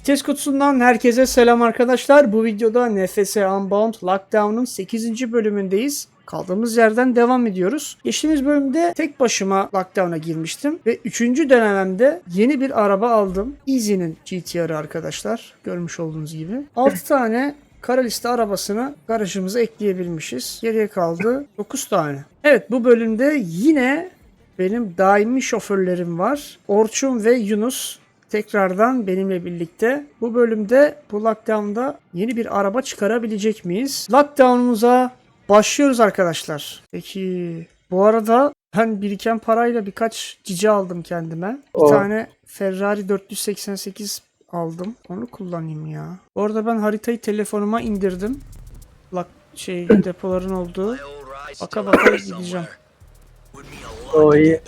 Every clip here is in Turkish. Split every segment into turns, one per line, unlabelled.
Vites kutusundan herkese selam arkadaşlar. Bu videoda NFS Unbound Lockdown'un 8. bölümündeyiz. Kaldığımız yerden devam ediyoruz. Geçtiğimiz bölümde tek başıma Lockdown'a girmiştim. Ve 3. denememde yeni bir araba aldım. Easy'nin GTR'ı arkadaşlar. Görmüş olduğunuz gibi. 6 tane kara liste arabasını garajımıza ekleyebilmişiz. Geriye kaldı 9 tane. Evet, bu bölümde yine benim daimi şoförlerim var. Orçun ve Yunus tekrardan benimle birlikte. Bu bölümde bu Lockdown'da yeni bir araba çıkarabilecek miyiz? Lockdown'umuza başlıyoruz arkadaşlar. Peki bu arada ben biriken parayla birkaç cici aldım kendime. Bir tane Ferrari 488 aldım. Onu kullanayım ya. Bu arada ben haritayı telefonuma indirdim. Depoların olduğu. Baka baka gideceğim.
O iyi.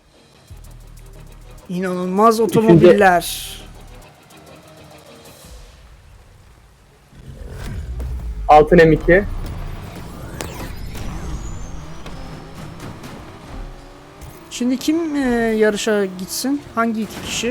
İnanılmaz otomobiller.
Altın M2.
Şimdi kim yarışa gitsin? Hangi iki kişi?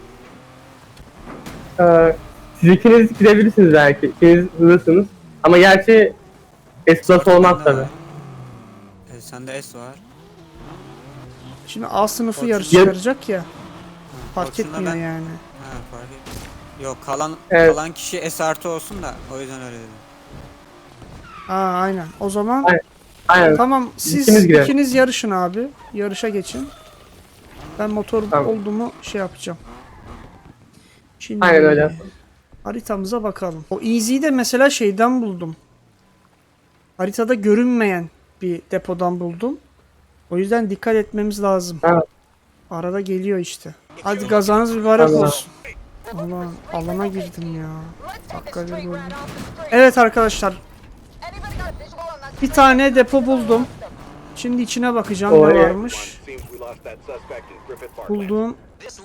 Siz ikiniz gidebilirsiniz belki. İkiniz hızlısınız. Ama gerçi S-Plus olmaz tabi.
Sende S var.
Şimdi A sınıfı
Orçun-
yarış çıkaracak ya. Fark
Orçun'la
etmiyor
ben-
yani.
Ha, fark etmiyor. Yok
Evet.
kalan kişi S artı olsun da o yüzden öyle dedim.
Aynen. O zaman
Aynen.
tamam, siz
İkimiz girelim.
ikiniz yarışın abi. Yarışa geçin. Ben motor
Tamam.
olduğumu yapacağım. Şimdi
Aynen öyle.
haritamıza bakalım. O Easy'yi de mesela şeyden buldum. Haritada görünmeyen bir depodan buldum. O yüzden dikkat etmemiz lazım.
Evet.
Arada geliyor işte. Hadi gazanız mübarek
Tamam.
olsun. Allah, alana girdim ya. Dakika bir bölüm. Evet arkadaşlar. Bir tane depo buldum. Şimdi içine bakacağım ne
Oraya.
varmış. Bulduğum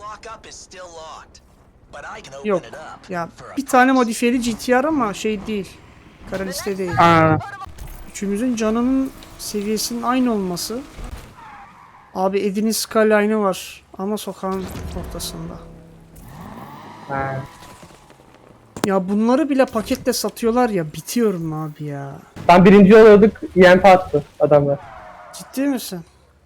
yok. Ya bir tane modifiyeli GTR ama şey değil. Kara liste değil. Üçümüzün canının seviyesinin aynı olması. Abi Eddie'nin Skyline'ı var ama sokağın ortasında.
Ha.
Ya bunları bile paketle satıyorlar ya, bitiyorum abi ya.
Ben birinci oluyorduk. YMP attı adamlar.
Ciddi misin?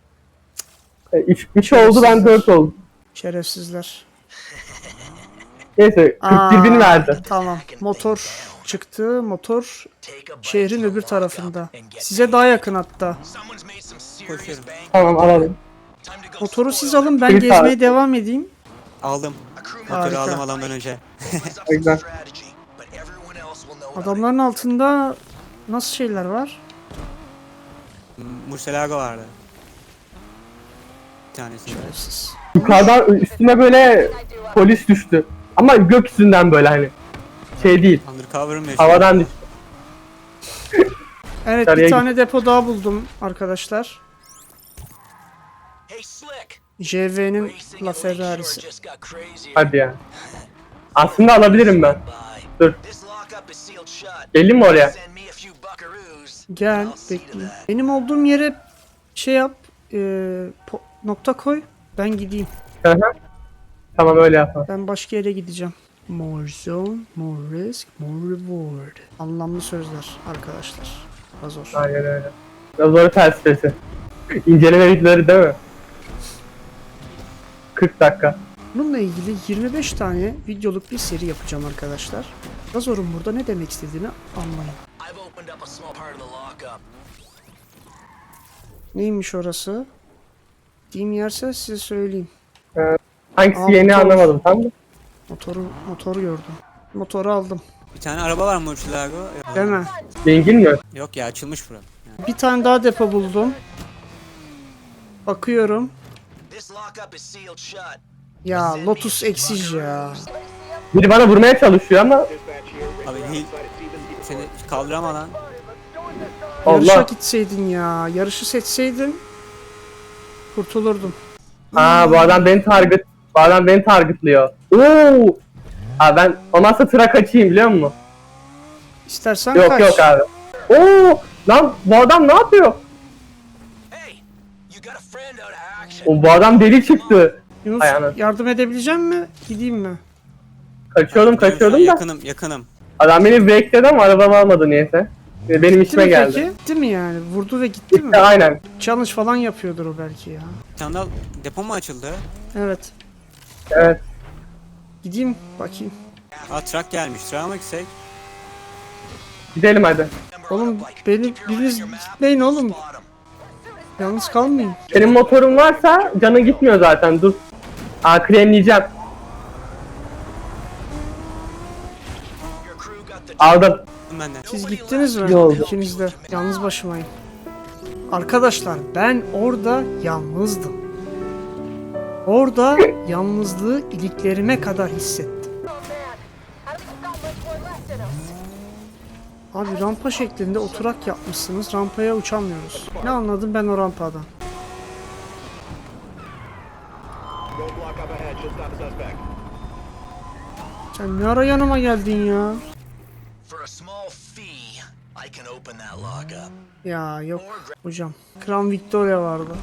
3 oldu, ben 4 oldum.
Şerefsizler.
Neyse 41 bin verdi.
Tamam. Motor çıktı. Motor şehrin öbür tarafında. Size daha yakın hatta.
Koşuyorum.
Tamam alalım.
Motoru siz alın, ben
Bir
gezmeye
tane.
devam edeyim.
Aldım. Motoru
Harika.
aldım adamdan önce.
Güzel.
Adamların altında nasıl şeyler var?
Murcielago vardı. Bir tanesi.
Şerefsiz.
Yukarıdan üstüme böyle polis düştü. Ama gökyüzünden böyle hani. Şey değil.
Undercover'ım ya.
Havadan düştü.
Evet,
Yukarıya
bir tane depo daha buldum arkadaşlar. JV'nin La Ferrari'si.
Hadi ya. Aslında alabilirim ben. Dur. Gelin mi oraya?
Gel, bekle. Benim olduğum yere şey yap, nokta koy. Ben gideyim.
Hı hı. Tamam öyle yapalım.
Ben başka yere gideceğim. More zone, more risk, more reward. Anlamlı sözler arkadaşlar. Zor.
Aynen öyle. Zor felsefesi. İnceleme videoları değil mi? 40 dakika.
Bununla ilgili 25 tane videoluk bir seri yapacağım arkadaşlar. Razor'un burada ne demek istediğini anlayın. Neymiş orası? Diyeyim yerse size söyleyeyim.
Hangisi
Aa,
yeni
motor.
anlamadım tam da.
Motoru gördüm. Motoru aldım.
Bir tane araba var Murcielago.
Deme.
Zengin mi?
Yok ya açılmış bura. Yani.
Bir tane daha depo buldum. Bakıyorum. Ya Lotus eksiz ya.
Biri bana vurmaya çalışıyor ama
Abi seni kaldıramadan.
Yarışa
Allah.
gitseydin ya. Yarışı seçseydin kurtulurdum.
Bu adam beni targetliyor. Oo! Abi ben olmazsa tıra kaçayım biliyor musun?
İstersen
Yok
kaç.
yok abi. Oo! Lan bu adam ne yapıyor? Bu adam deli çıktı.
Yunus,
Ayağına.
yardım edebilecek mi? Gideyim mi?
Kaçıyordum
Gidiyorum şu an,
da.
yakınım.
Adam beni bekledi ama arabamı almadı niyeyse. Benim
Gitti
işime
mi
geldi.
peki? Gitti mi yani? Vurdu ve gitti mi?
İşte aynen.
Challenge falan yapıyordur o belki ya.
Bir tane daha depo mu açıldı?
Evet.
Evet.
Gideyim bakayım.
Aa truck gelmiş. Truck'a mı gitsek?
Gidelim hadi.
Oğlum biriniz gitmeyin oğlum. Yalnız kalmayın.
Senin motorun varsa canın gitmiyor zaten, dur. Kremleyeceğim. Aldım.
Ben de.
Siz gittiniz mi?
Yolda.
İkiniz de. Yalnız başımayım. Arkadaşlar ben orada yalnızdım. Orada yalnızlığı iliklerime kadar hissettim. Abi rampa şeklinde oturak yapmışsınız. Rampaya uçamıyoruz. Ne anladım ben o rampadan? Sen ne ara yanıma geldin ya?
For a small fee, I can open that lock up.
Ya yok hocam. Crown Victoria vardı.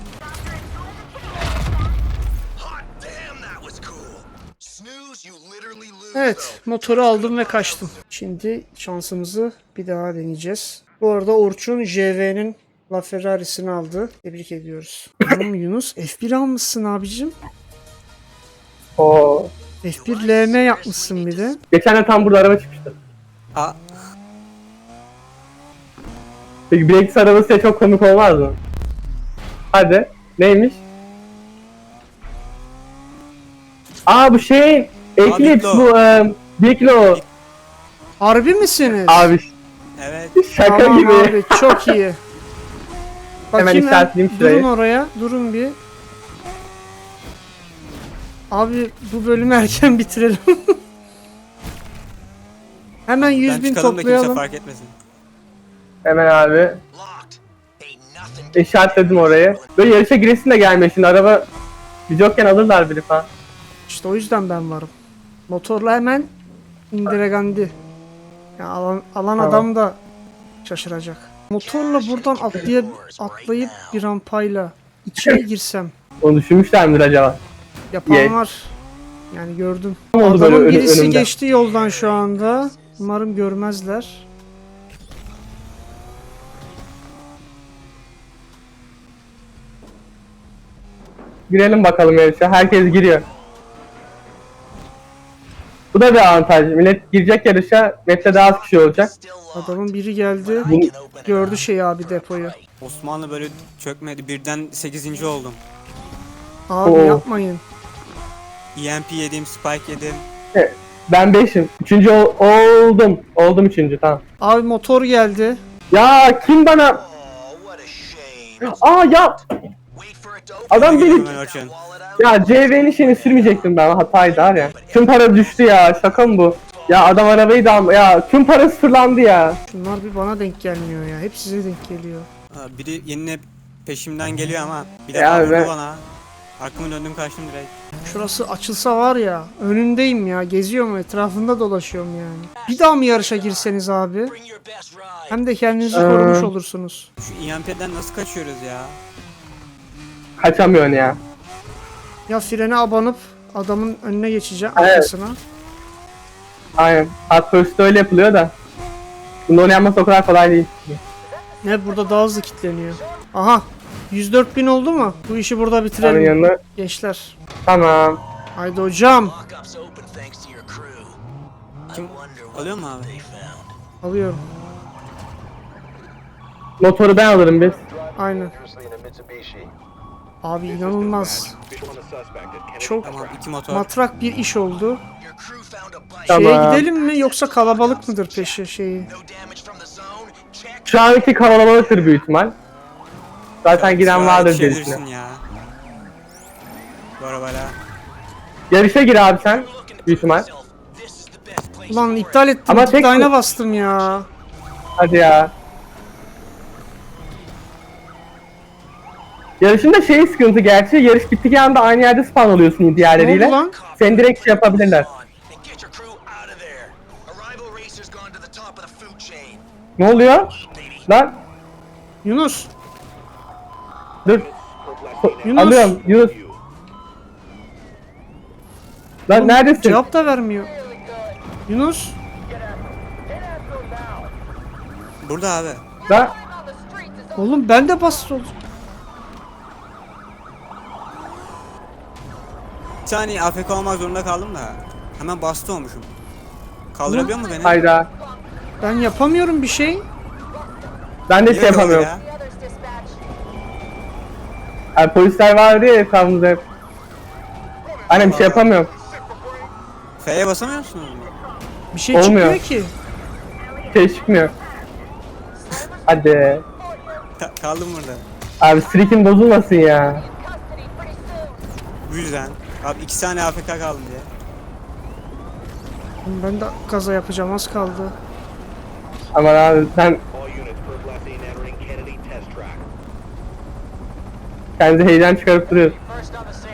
Hot damn, that was cool. Snooze, you literally lose.
Evet, motoru aldım ve kaçtım. Şimdi şansımızı bir daha deneyeceğiz. Bu arada Orçun JV'nin LaFerrari'sini aldı. Tebrik ediyoruz. Oğlum Yunus F1 almışsın abicim.
Oo.
F1 LM yapmışsın bir de.
Geçen de tam burada araba çıkmıştı.
Aa
Peki Breaks arabası ya, çok komik olmaz mı? Hadi. Neymiş? Bu şey. Eclipse
Diplo.
bu. Diplo.
Harbi misiniz?
Abi
evet.
şaka
Tamam
gibi.
abi çok iyi.
Hemen
Bakayım
işaretleyeyim
durun
şurayı.
oraya. Durun bir. Abi bu bölümü erken bitirelim. Hemen 100.000
Ben çıkalım da kimse
toplayalım.
fark etmesin.
Hemen abi.
Locked. Ain't nothing.
İşaretledim orayı. Böyle yarışa giresin de gelmiyor şimdi, araba biz yokken alırlar biri falan.
İşte o yüzden ben varım. Motorla hemen indiregandi. Ya alan adam da şaşıracak. Motorla buradan atlayıp bir rampayla içine girsem
Onu düşünmüşler midir acaba?
yapan var. Yani gördüm.
Ne oldu böyle
Adamın birisi
önümde?
geçti yoldan şu anda. Umarım görmezler.
Girelim bakalım yarışa. Herkes giriyor. Bu da bir avantaj. Millet girecek yarışa, map'te daha az kişi olacak.
Still locked.
Adamın biri geldi.
Bu-
Can open it
Gördü
up.
şey abi depoyu.
Osmanlı böyle çökmedi. Birden 8. oldum.
Abi
Oo.
yapmayın.
EMP yedim, spike yedim.
Ben 5'im. Üçüncü oldum. Oldum üçüncü, tamam.
Abi motor geldi.
Ya kim bana...
Oh, what a shame.
Ya
Wait for it to open.
adam beni...
Hemen Orçun.
Wallet out.
Ya CV'nin şeyini sürmeyecektim ben, hataydı var ya. Tüm para düştü ya, şaka mı bu? Ya adam arabayı da ya tüm para sıfırlandı ya.
Şunlar bir bana denk gelmiyor ya. Hep size denk geliyor.
Aa, biri yine peşimden geliyor ama bir
Ya
defa vurdu
ben-
bana. Arkamı döndüm kaçtım direkt.
Şurası açılsa var ya. Önündeyim ya. Geziyorum etrafında dolaşıyorum yani. Bir daha mı yarışa girseniz abi?
Bring your best ride.
Hem de kendinizi korumuş olursunuz.
Şu EMP'den nasıl kaçıyoruz ya?
Kaçamıyorsun ya.
Ya frene abanıp adamın önüne geçeceğim
Evet.
arkasına.
Aynen. Hot Pursuit'te öyle yapılıyor da. Bunu onu yapması o kadar kolay değil.
Ne burada daha hızlı kilitleniyor. Aha. 104.000 oldu mu? Bu işi burada
Onun
bitirelim
yanına.
gençler.
Tamam.
Haydi hocam.
Lockup's open thanks to your crew. I
Kim
wonder what
alıyor mu abi?
they found.
Alıyorum.
Motoru ben alırım biz.
Aynen. Abi inanılmaz. Çok
Tamam 2 motor.
matrak bir iş oldu.
Your crew found a bike.
Tamam.
Şeye gidelim mi yoksa kalabalık mıdır peşi şeyi?
No damage from the zone. Check.
Şu anki kavalabalıktır büyük ihtimal. Zaten giren vardır diye
Yetişebilirsin
düşünüyorum.
ya. Bu arabayla.
Yarışa gir abi sen. Büyük ihtimal.
This is the best place.
Ulan iptal ettim.
Ama tek-
Tıklayına bastım ya.
Hadi ya. Yarışın da şey sıkıntı gerçi. Yarış bittiği anda aynı yerde spawn oluyorsun
Ne oldu
diğerleriyle.
lan?
Seni direkt şey yapabilirler.
And get your crew out of there. A rival racer's gone to the top of the food chain.
Ne oluyor? Lan
Yunus.
dur.
Yunus.
Alıyorum Yunus. Lan
Oğlum,
neredesin?
Cevap da vermiyor. Yunus.
Burada abi.
Ben
Oğlum ben de basit oldum.
Bir saniye AFK olmak zorunda kaldım da. Hemen bastı olmuşum. Kaldırabiliyor mu beni?
hayda.
Ben yapamıyorum bir şey.
Ben de
Niye
şey
öyle oldu
yapamıyorum.
ya?
Yani polisler vardı ya etrafımızda hep. Aynen bir şey yapamıyorum.
F'ye basamıyor musunuz?
Bir şey
Olmuyor.
çıkmıyor ki.
Şey çıkmıyor. Hadi.
Kaldım burada.
Abi streak'in bozulmasın ya.
Bu yüzden. Abi 2 tane AFK kaldım diye.
Oğlum ben de kaza yapacağım, az kaldı.
Aman abi sen
All units Berglasine entering Kennedy test track.
kendi heyecan çıkarıp duruyorsun.
First on the scene.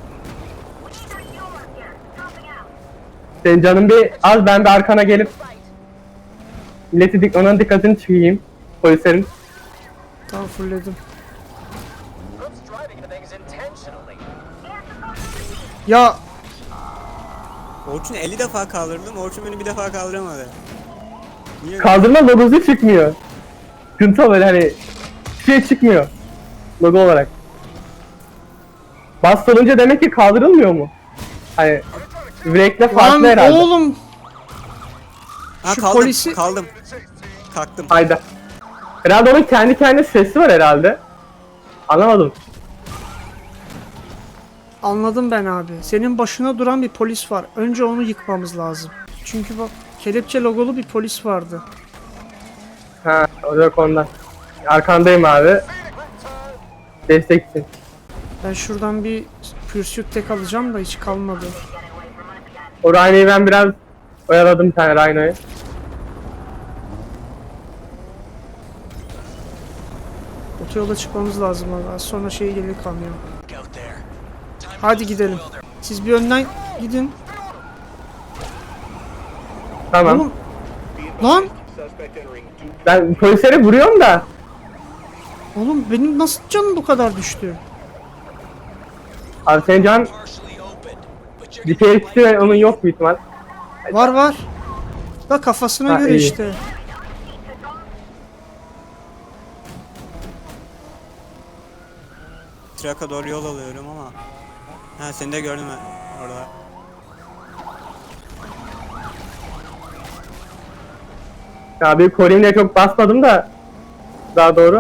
Senin canın bir az, ben de arkana gelip onun dikkatini çekeyim. Polislerin.
Tamam, fullledim.
Group's driving into things intentionally.
Ya
Orçun 50 defa kaldırdım. Orçun beni bir defa kaldıramadı. Niye?
Kaldırma logosu çıkmıyor. Sıkıntı o, böyle hani bir şey çıkmıyor. Logo olarak. Bas olunca demek ki kaldırılmıyor mu? Hani break'le farklı
lan
herhalde.
oğlum.
Ha
şu
kaldım.
polisi-
Kaldım. Kalktım.
Hayda. Herhalde onun kendi kendine sesi var herhalde. Anlamadım.
Anladım ben abi. Senin başına duran bir polis var. Önce onu yıkmamız lazım. Çünkü bak, kelepçe logolu bir polis vardı.
Ha, o yok ondan. Arkandayım abi. Destek için.
Ben şuradan bir pursuit tek alacağım da hiç kalmadı.
O Rhino'yu ben biraz oyaladım, bir tane Rhino'yu.
Otoyola çıkmamız lazım abi. Az sonra şey gelir kamyon.
Look out there. Time to
Hadi
go
gidelim.
spoil their-
Siz bir önden gidin.
Tamam.
Oğlum. Lan.
Suspect entering two
Ben polisleri vuruyorum da.
Oğlum benim nasıl canım bu kadar düştü?
Abi senin can
partially opened, but you're
bir tehlikesi onun yok büyük ihtimal.
Var var. Da kafasına
Ha,
göre
iyi.
işte.
Trak'a doğru yol alıyorum ama. Ha seni de gördüm ben orada.
Ya bir Colin'le çok basmadım da. Daha doğru.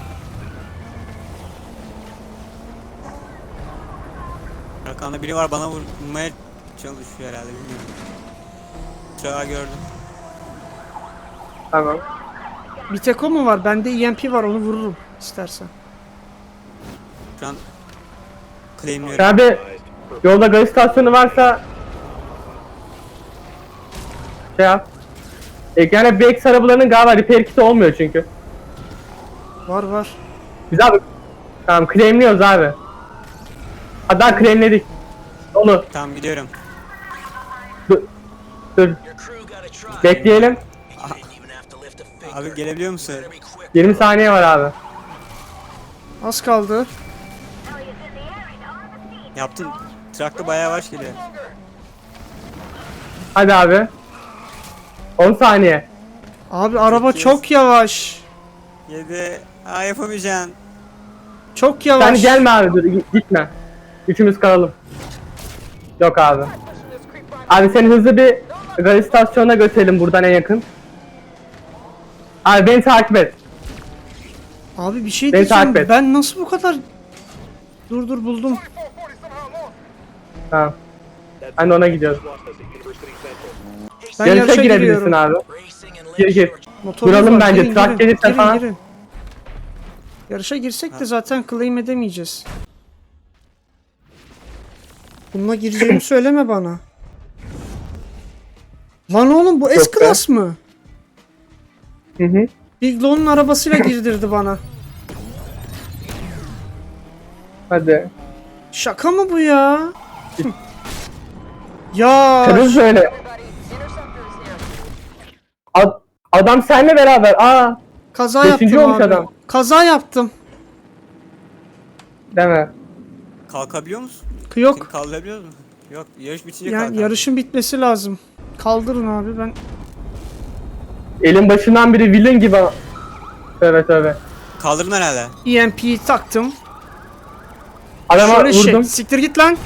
Arkanda biri var, bana vurmaya çalışıyor herhalde, bilmiyorum. Trak'ı gördüm.
Tamam.
Bir tek o mu var? Bende EMP var, onu vururum istersen.
Şu an claimliyorum.
Abi yolda gaz istasyonu varsa şey yap. Yani BX arabalarının galiba repair kiti olmuyor çünkü.
Var var.
Biz abi tamam claimliyoruz abi. Hatta claimledik. Onu
Tamam gidiyorum.
dur, dur.
Your crew got a try.
Bekleyelim.
You didn't even have to lift a finger.
Abi gelebiliyor musun?
Better be quick.
20 saniye var abi.
Az kaldı.
Yaptın. Trak'ta bayağı yavaş geliyor.
Hadi abi. 10 saniye.
Abi araba
8.
çok yavaş.
7. Aa yapamayacaksın.
Çok yavaş.
Sen gelme abi, dur gitme. Üçümüz kalalım. Yok abi. Abi seni hızlı bir gaz istasyonuna götürelim buradan en yakın. Abi beni takip et.
Abi bir şey
Beni
diyeceğim.
takip et.
Ben nasıl bu kadar... Dur buldum.
Tamam. Ben de ona gidiyorum.
lost us at University Central.
Ben
Yarışa
yarışa
girebilirsin
giriyorum.
abi.
Racing and
Gir gir.
Motorumuz
Duralım
var.
bence,
Girin,
trak
girin,
gelirse
girin,
falan.
girin. Yarışa girsek de zaten claim edemeyeceğiz. Bununla gireceğimi söyleme bana. Lan oğlum bu
Yok be.
S-Class mı?
Hı hı.
Big Lon'un arabasıyla girdirdi bana.
Hadi.
Şaka mı bu ya? Ya
Kırız böyle. Adam seninle beraber. Aa,
kaza
beşinci
yaptım
olmuş
abi.
adam.
Kaza yaptım.
deme.
Kalkabiliyor musun?
Yok.
Seni kaldırabiliyor musun? Yok, yarış bitince
Yani
kalkar.
yarışın bitmesi lazım. Kaldırın abi ben.
Elin başından biri villain gibi. Tövbe tövbe.
Kaldırın herhalde.
EMP'yi taktım.
Adama
Şöyle şey.
vurdum.
Siktir git lan.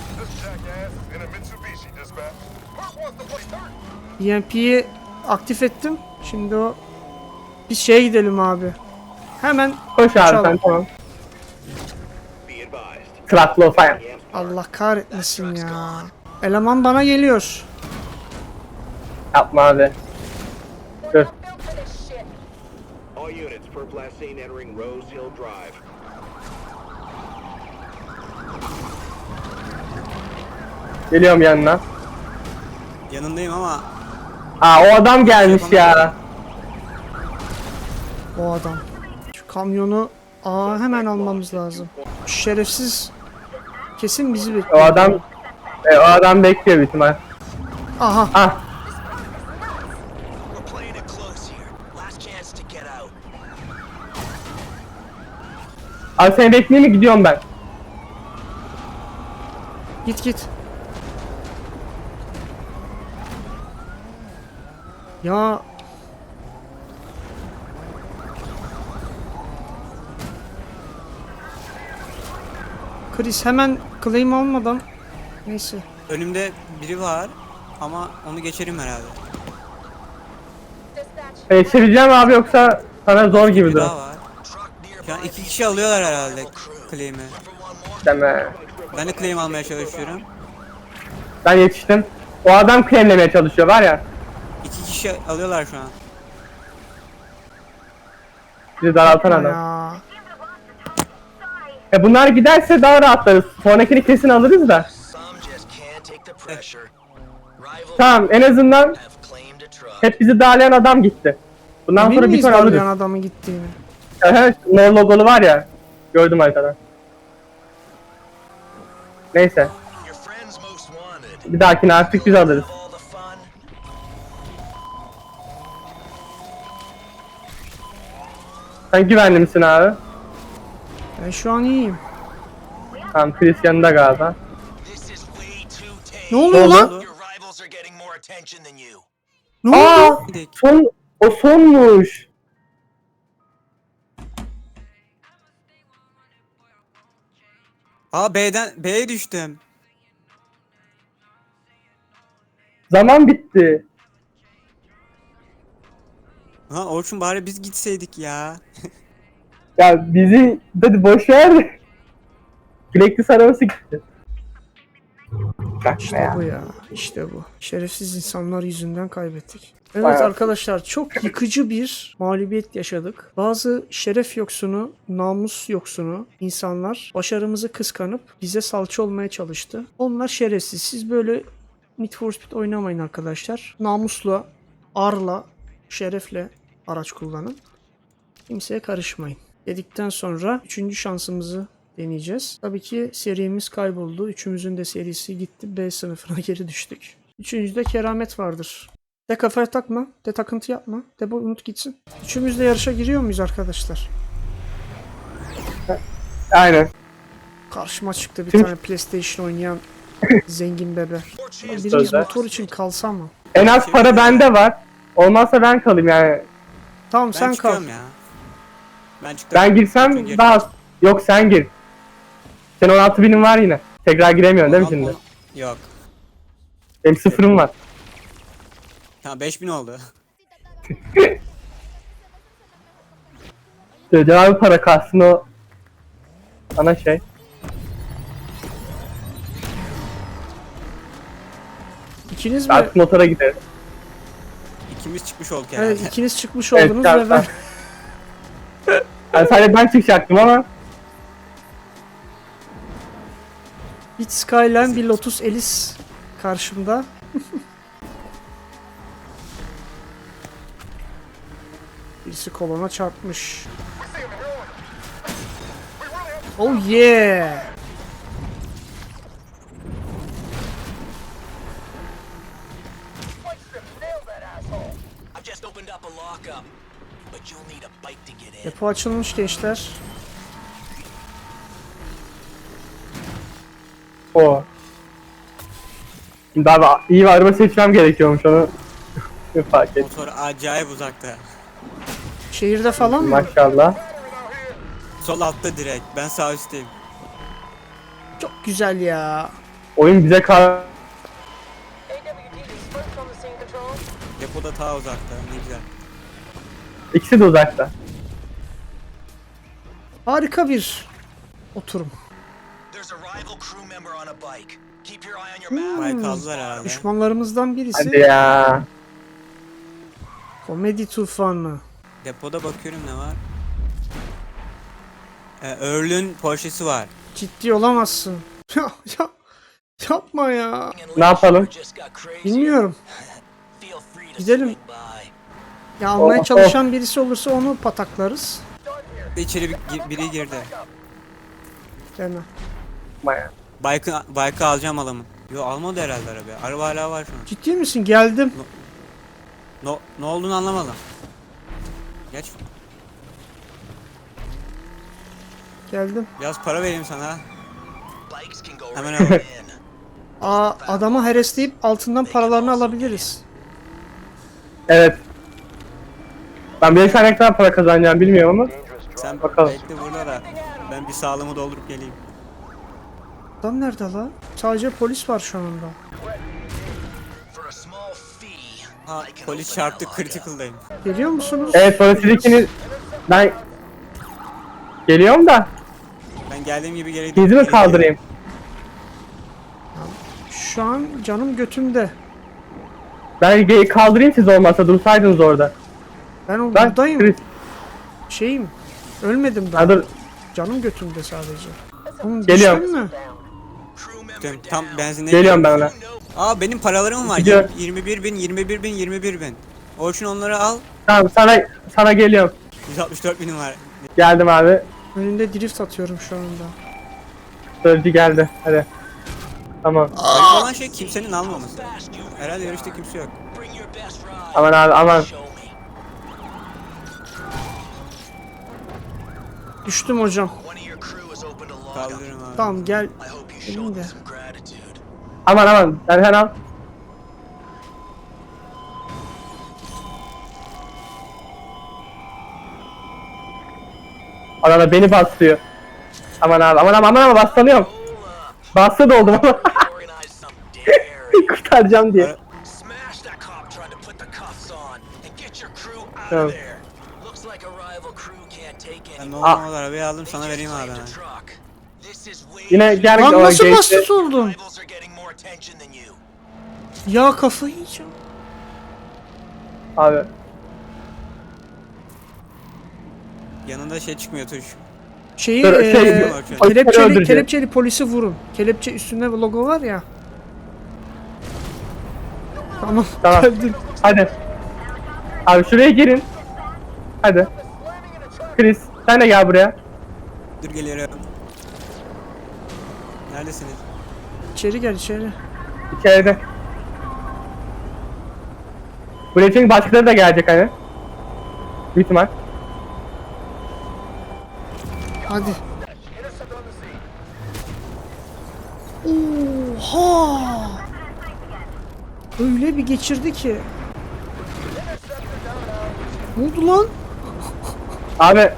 EMP'yi aktif ettim. Şimdi o biz şeye gidelim abi. Hemen
Koş abi
Çal.
sen, tamam.
Be advised.
Traklo falan.
Allah kahretmesin ya. Eleman bana geliyor.
Yapma abi. Dur.
All units per blast scene entering Rose Hill Drive.
Geliyorum yanına.
Yanındayım ama
Aa, o adam gelmiş ya.
O adam. Şu kamyonu hemen almamız lazım. Şu şerefsiz kesin bizi
O
bekliyor.
adam o adam bekliyor büyük ihtimal.
Aha.
Ah,
We're playing it close here. Last chance to get out.
abi seni bekleyeyim mi, gidiyorum ben.
Git git. Ya Chris hemen claim almadan neyse.
önümde biri var ama onu geçerim herhalde.
Geçireceğim abi, yoksa sana zor gibi
Bir
dur.
daha var.
Truck
Şu an
nearby.
2 kişi alıyorlar herhalde claim'i.
For one more.
Deme.
Ben de claim almaya çalışıyorum.
Ben yetiştim. O adam claimlemeye çalışıyor var ya.
2 kişi alıyorlar şu an.
Bizi daraltan adam.
Ya.
Bunlar giderse daha rahatlarız. Sonrakini kesin alırız da.
Some just can't take the pressure. Rival
Tamam, en azından
have claimed a truck.
hep bizi darlayan adam gitti. Bundan
Emin
sonra bir
miyiz
ton
darlayan
alırız.
adamın gittiğini?
Evet, no logolu var ya. Gördüm haritada. Neyse.
Your friends most wanted.
Bir dahakine artık biz alırız.
Of all the fun.
Sen güvenli misin abi?
Ben şu an iyiyim.
Tamam, Chris yanında galiba.
This is way too tame.
Ne oluyor
oldu?
lan?
Your rivals are getting more attention than you.
Ne oldu?
Aa!
Gidelim.
O sonmuş.
Aa B'ye düştüm.
Zaman bitti.
Lan Orçun bari biz gitseydik ya.
Ya bizi hadi boş ver. Bilekli arabası gitti. Bak
İşte bu ya. İşte bu. Şerefsiz insanlar yüzünden kaybettik. Evet
Bayağı.
arkadaşlar, çok yıkıcı bir mağlubiyet yaşadık. Bazı şeref yoksunu, namus yoksunu insanlar başarımızı kıskanıp bize salça olmaya çalıştı. Onlar şerefsiz. Siz böyle Need for Speed oynamayın arkadaşlar. Namusla, arla, şerefle araç kullanın. Kimseye karışmayın. Dedikten sonra 3. şansımızı deneyeceğiz. Tabii ki serimiz kayboldu. Üçümüzün de serisi gitti. B sınıfına geri düştük. Üçüncüde keramet vardır. De kafaya takma. De takıntı yapma. De bu unut gitsin. Üçümüz de yarışa giriyor muyuz arkadaşlar?
Aynen.
Karşıma çıktı bir
Şimdi-
tane PlayStation oynayan zengin bebe. Birimiz
Sözler.
motor için kalsa mı?
En az para bende var. Olmazsa ben kalayım yani.
Tamam
Ben
sen kal.
çıkıyorum ya. Ben çıktım.
Ben
Orçun
girsem
gir.
daha az. Yok, sen gir. Senin 16.000'in var yine. Tekrar giremiyorsun değil mi şimdi?
Yok.
Benim sıfırım var.
Tamam 5000 oldu.
Söyleyeceğim abi, para kalsın o. Ana şey.
İkiniz mi?
Artık motora gideriz.
İkimiz çıkmış olduk herhalde.
Evet, ikiniz çıkmış
Evet,
oldunuz
tamam,
ve ben
Yani sadece ben çıkacaktım ama.
bir Skyline, bir Lotus Elise karşımda. Birisi kolona çarpmış. Oh yeah!
I've just opened up a lockup, but you'll need a bike to get in.
Depo açılmış gençler.
O. Şimdi abi iyi bir araba seçmem gerekiyormuş onu. Fark et.
Motor acayip uzakta.
Şehirde falan mı?
Maşallah.
Sol altta direkt. Ben sağ üstteyim.
Çok güzel ya.
Oyun bize kar...
Depoda ta uzakta. Ne güzel.
İkisi de uzakta.
Harika bir oturum.
There's a rival crew member on a bike. Keep your eye on your map.
Bay kaldılar herhalde.
Düşmanlarımızdan birisi.
Hadi ya.
Komedi tufanı.
Depoda bakıyorum ne var. Earl'ün Porsche'si var.
Ciddi olamazsın. Ya, ya, yapma ya.
Ne yapalım?
Just got crazy.
Bilmiyorum.
Feel free to
Gidelim.
swing by.
Ya almaya
Oh,
çalışan birisi olursa onu pataklarız.
İçeri biri girdi.
Deme.
Maya.
Bike'ı alacağım adamın. Yo almadı herhalde araba. Araba hala var şu an.
Ciddi misin? Geldim.
Ne olduğunu anlamadım. Geç.
Geldim.
Biraz para vereyim sana.
Bikes can go
Hemen
right
hemen.
in.
Aa, adamı heresleyip altından paralarını alabiliriz.
Evet. Ben bir ne kadar para kazanacağım bilmiyorum ama.
Sen
Bakalım.
bekle burada da. Ben bir sağlığımı doldurup geleyim.
Adam nerede la? Sadece polis var şu anda.
For a small fee,
Ha
I can
polis
open
çarptı
that lock up.
critical'dayım.
Geliyor musunuz?
Evet polislikini ben geliyorum da
Ben geldiğim gibi geri
sizi mi kaldırayım?
Şu an canım götümde.
Ben kaldırayım siz olmazsa dursaydınız orada.
Ben
Ben
buradayım.
Chris.
Şeyim. Ölmedim ben.
Ha, dur.
Canım götümde sadece. Oğlum,
Geliyorum.
düştün mü?
Crew member
Tam
down.
benzinliğe
Geliyorum ben ona.
You know
Aa benim paralarım var.
Gidiyor.
21.000. Orçun onları al.
Tamam sana geliyorum.
164.000'im var.
Geldim abi.
Önünde drift atıyorum şu anda.
Sözcü geldi. Hadi. Tamam.
Garip olan şey kimsenin almaması.
fast you
Herhalde yarışta kimse yok.
bring your best ride.
Aman abi aman.
Show me.
Düştüm hocam.
One of your crew has opened a log up.
Kaldırırım abi.
Tamam gel.
I hope you show
Benim de.
them some gratitude.
Aman. Sen al. Adana beni bastırıyor. Aman abi aman bastırıyorum. Bastı da oldum ama
Organize some daring.
kurtaracağım diye.
Smash that cop trying to put the cuffs on and get your crew out
Tamam.
of there. Looks like a rival crew can't take
Ben
anymore.
normal arabayı aldım
They
sana
just
vereyim abi.
claimed a
hemen.
truck. This is way
Yine gel
Lan
o
nasıl
geçti.
bastı oldum?
Rivals are getting more attention than you.
Ya kafayı yiyeceğim.
Abi.
Yanında şey çıkmıyor tuş.
Şeyi
Dur, polisleri öldüreceğim.
kelepçeli polisi vurun. Kelepçe üstünde logo var ya. Tamam,
Tamam.
geldim.
Hadi. Abi şuraya girin. Hadi. Chris sen de gel buraya.
Dur geliyorum. Neredesiniz?
İçeri gel içeri.
İçeride. Buraya çünkü başkaları da gelecek hani. Büyük ihtimal.
Hadi. Oha! Öyle bir geçirdi ki. Ne oldu lan?
Abi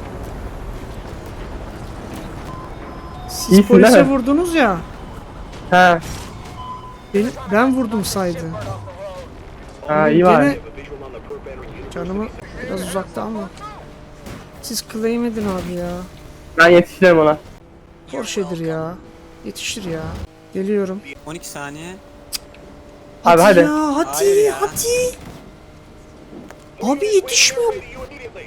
Siz
İyisin değil
polise
mi?
vurdunuz ya.
he.
Ben vurdum saydı.
Ha iyi
Gene
var.
Visual on the perp entering unit.
canımı biraz uzakta ama. Siz claim edin abi ya.
Ben yetişirim ona.
Porsche'dir ya. Yetişir ya. Geliyorum.
12 saniye.
Abi hadi.
Ya hadi
Hayır ya.
hadi. Abi yetişmiyor.
You immediately.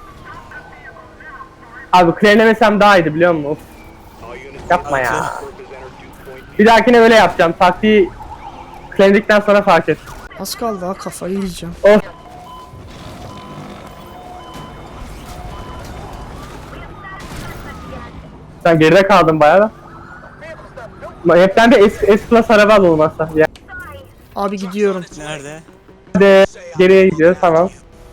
Abi claimlemesem daha iyiydi biliyor musun? Of,
All units.
yapma ya.
Perp has entered dew point.
Bir dahakine öyle yapacağım. Taktiği claimledikten sonra fark et.
Az kaldı ha, kafayı yiyeceğim.
Of. Sen geride kaldın bayağı da. Hepten de S Plus araba al olmazsa. Ya.
Abi gidiyorum.
Nerede?
Hadi geriye gidiyoruz tamam.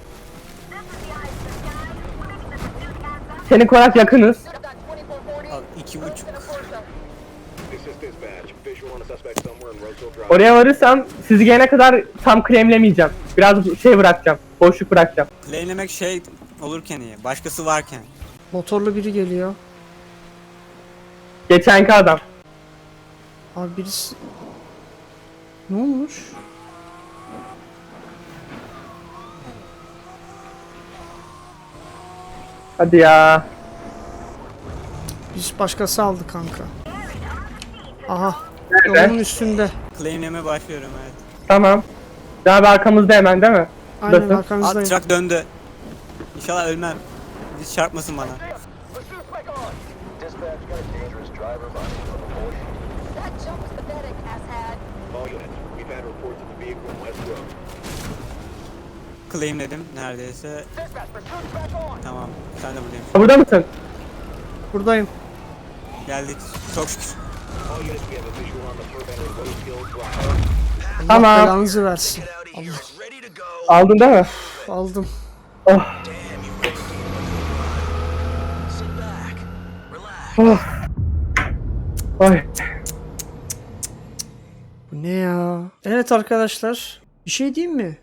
Seni konak yakınız.
Al 2.5.
This is dispatch. Visual on a suspect somewhere in Roseville Drive.
Oraya varırsam sizi gelene kadar tam claimlemeyeceğim. Biraz şey bırakacağım. Boşluk bırakacağım.
Claimlemek şey olurken iyi. Başkası varken.
Motorlu biri geliyor.
Geçenki adam.
Abi birisi... Ne olmuş?
Hadi ya.
Biz başkası aldı kanka. Aha.
Nerede?
Yolun üstünde.
Claimleme başlıyorum evet.
Tamam. Daha bir arkamızda hemen değil mi?
Aynen
Nasıl?
arkanızdayım.
Truck döndü. İnşallah ölmem. Hiç çarpmasın bana.
That jump was pathetic, asshat.
All units, we've had reports of a vehicle in West Road.
Claimledim neredeyse. Tamam. Sen de buradayım.
Burada mısın?
Buradayım.
Geldik. Çok şükür.
All units, we have a visual on the perp entering Rose Hill Drive.
Allah
Tamam.
belanızı versin.
Get out of here. It's ready to go.
Aldın değil mi?
Aldım.
Oh.
Damn, you ready? Sit back. Relax.
Oh. Ay.
Bu ne ya? Evet arkadaşlar. Bir şey diyeyim mi?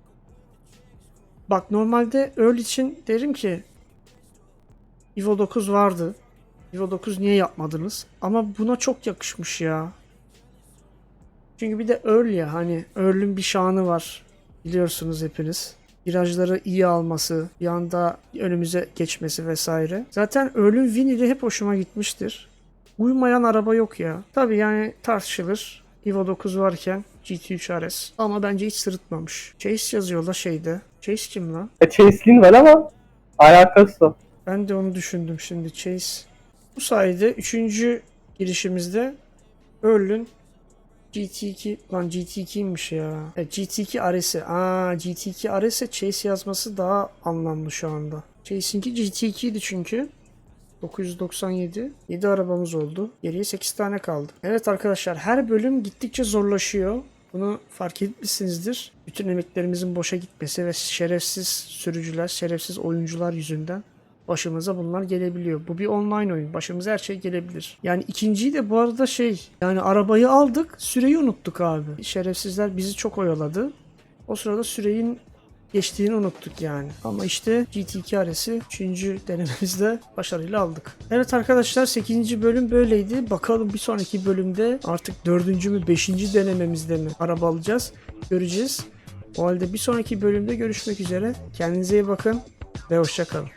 Bak normalde Earl için derim ki Evo 9 vardı. Evo 9 niye yapmadınız? Ama buna çok yakışmış ya. Çünkü bir de Earl ya, hani Earl'ün bir şanı var. Biliyorsunuz hepiniz. Virajları iyi alması, bir anda önümüze geçmesi vesaire. Zaten Earl'ün Winnie'de hep hoşuma gitmiştir. Uymayan araba yok ya. Tabii yani tartışılır. Evo 9 varken GT3 RS. Ama bence hiç sırıtmamış. Chase yazıyor la şeyde. Chase kim lan?
Chase'liğin var ama alakası yok.
Ben de onu düşündüm şimdi. Chase. Bu sayede 3. girişimizde Earl'ün GT2 lan GT2'ymiş ya. GT2 RS'i. GT2 RS'e Chase yazması daha anlamlı şu anda. Chase'inki GT2'ydi çünkü. 997. 7 arabamız oldu. Geriye 8 tane kaldı. Evet arkadaşlar, her bölüm gittikçe zorlaşıyor. Bunu fark etmişsinizdir. Bütün emeklerimizin boşa gitmesi ve şerefsiz sürücüler, şerefsiz oyuncular yüzünden başımıza bunlar gelebiliyor. Bu bir online oyun. Başımıza her şey gelebilir. Yani ikinciyi de bu arada yani arabayı aldık, süreyi unuttuk abi. Şerefsizler bizi çok oyaladı. O sırada süreyin geçtiğini unuttuk yani. Ama işte GT2 RS'i 3. denememizde başarıyla aldık. Evet arkadaşlar, 8. bölüm böyleydi. Bakalım bir sonraki bölümde artık 4. mü 5. denememizde mi araba alacağız? Göreceğiz. O halde bir sonraki bölümde görüşmek üzere. Kendinize iyi bakın ve hoşça kalın.